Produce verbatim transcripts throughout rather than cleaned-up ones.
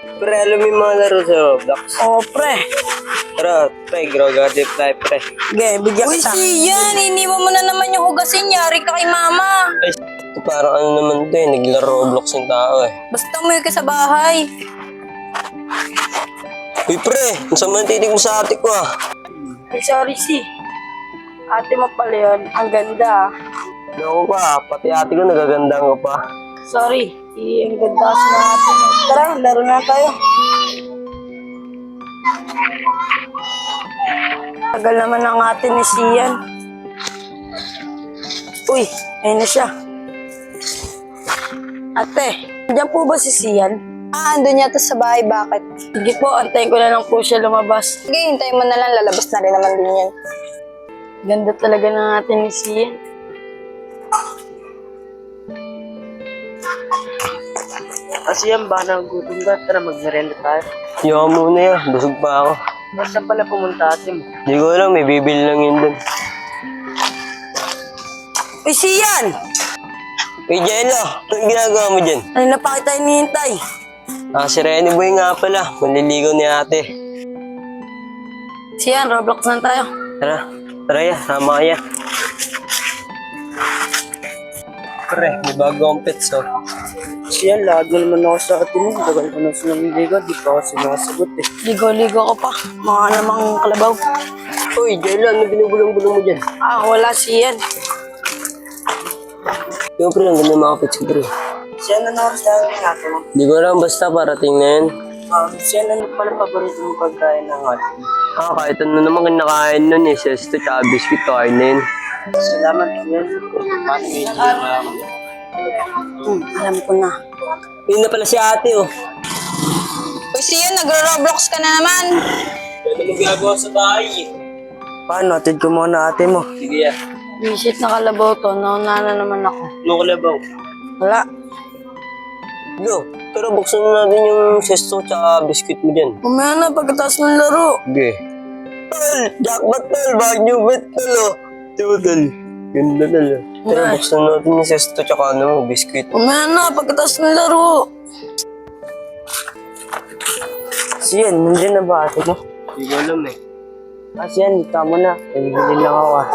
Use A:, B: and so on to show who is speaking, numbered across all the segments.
A: Pre, alam mo yung mga laro sa Roblox?
B: Oo, pre.
A: Tara, pre, grow gadget tayo, pre.
B: Sige, bigyan
C: Uy,
B: kita.
C: Sian, iniwan mo na naman yung hugasin. Yari ka kay mama.
A: Ay, ito parang ano naman to eh, naglaro Roblox yung tao eh.
C: Basta umuwi ka sa bahay.
A: Uy, pre, ang sama ng titig mo sa ate ko ah.
B: Ay, sorry, si. Ate mo pala yun. Ang ganda.
A: Naku ka, pati ate ko nagagandang ko pa.
B: Sorry. Eh, ang ganda kasi ng ate mo. Tara, laro na tayo. Tagal naman ang ate ni Sian. Uy, ayun na siya. Ate, diyan po ba si Sian?
C: Ah, andun yata sa bahay. Bakit?
B: Sige po, antayin ko na lang po siya lumabas.
C: Sige, hintayin mo na lang. Lalabas na rin naman din yan.
B: Ganda talaga ng ate ni Sian. Kasi yan ba, nagutom ka? Tara, magmerenda tayo.
A: Yawa muna yan, busog pa ako.
B: Basta pala pumunta ate mo.
A: Hindi ko alam, may bibili lang yun dun.
B: Uy, Sian!
A: Uy, Jello, anong ginagawa mo dyan?
B: Ano na pa kita hinihintay?
A: Ah, si Rene Boy nga pala, manliligaw ni ate.
B: Sian, Roblox na tayo.
A: Tara, tara ya, sama kaya. Pre, may bago akong pets oh.
B: Sian, lagi naman ako sa atin mo. Tagal ko na sa nangligaw, di pa ako sinasagot eh. Ligo-ligo ko pa, mga namang kalabaw.
A: Uy, Jello, ano binubulong-bulong mo dyan?
B: Ah, wala Sian.
A: Yung pre, ang ganda mga pets ko pre.
B: Sian, ano oras dahil ng ate mo?
A: Hindi ko alam, basta parating na yan.
B: Um, Sian, ano pala paborito mong pagkain ng ate mo?
A: Ah, kahit ano naman kinakain nun eh, sesto tsaka biscuit, kain na yun.
B: Salamat, Sian. Hmm, alam ko na.
A: Yun na pala si ate oh.
C: Uy, Sian, nagro-roblox ka na naman.
A: Pwede mo ginagawa sa bahay eh.
B: Paano? Atid ko muna ate mo.
A: Sige ya.
B: Visit na kalabaw to, nauna na naman ako.
A: Ano ka labaw?
B: Wala.
A: Go, pero buksan na natin yung sesto tsaka biscuit mo dyan.
B: Umaya na pagkatapos ng laro.
A: Sige. Tol! Jackpot tol! Bag new bet tol oh! Diba tol? Ganda tol oh. Pero
B: Ay.
A: buksan natin yung sesto tsaka ano mo, biscuit.
B: Umaya na pagkatapos ng laro. Sian, nandiyan na ba ate mo?
A: Hindi ko alam eh.
B: Ah, Sian, tama na. Pagigilin lang ako ah.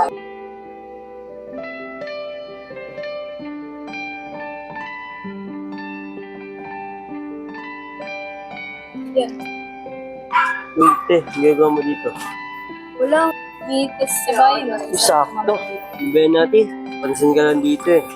A: Uy, te, ginagawa mo dito.
C: Wala. May kasi sa bahay.
A: Sakto. Ibayan natin. Pansin ka lang dito eh.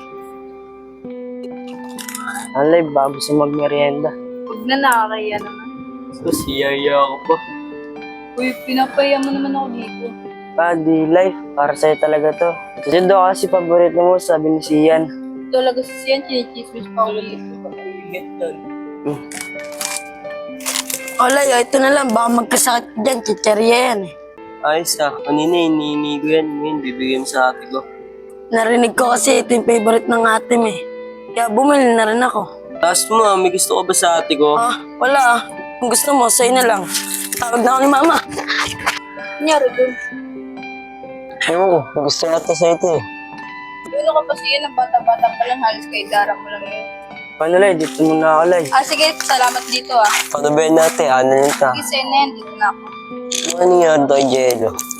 B: Alay, bago sa magmerienda.
C: Huwag na, nakakaya naman.
A: So, siyaya ako pa.
C: Uy, pinapaya mo naman ako dito.
B: Ah, di life. Para sa'yo talaga to. Kasi doon kasi paborito mo, sabi ni Sian.
C: Talaga si Sian, chinichismis pa ako dito.
B: Alay, ito na lang. Baka magkasakit dyan. Chicherya yan eh.
A: Ayos ah. Kanina hinihini ko yan. Ngayon, bibigyan mo sa ate ko.
B: Narinig ko kasi ito yung favorite ng ate mo eh. Kaya bumili na rin ako.
A: Taas mo ah, may gusto ko ba sa ate ko?
B: Ah, wala ah. Kung gusto mo, sa'yo na lang. Tawag na ako ni mama.
C: Nangyari dun.
A: Ewan ko, may gusto ko ata sa ito eh.
C: Ano ka pa siya, ng bata-bata pa lang, halos kay Dara mo lang yun.
B: Paano lay? Dito muna ako lay.
C: Ah, sige, salamat dito ah.
A: Paano ba yun natin? Ano lang ta?
C: Sige, Senen, dito na ako.
A: Ano nangyari to kay Jello?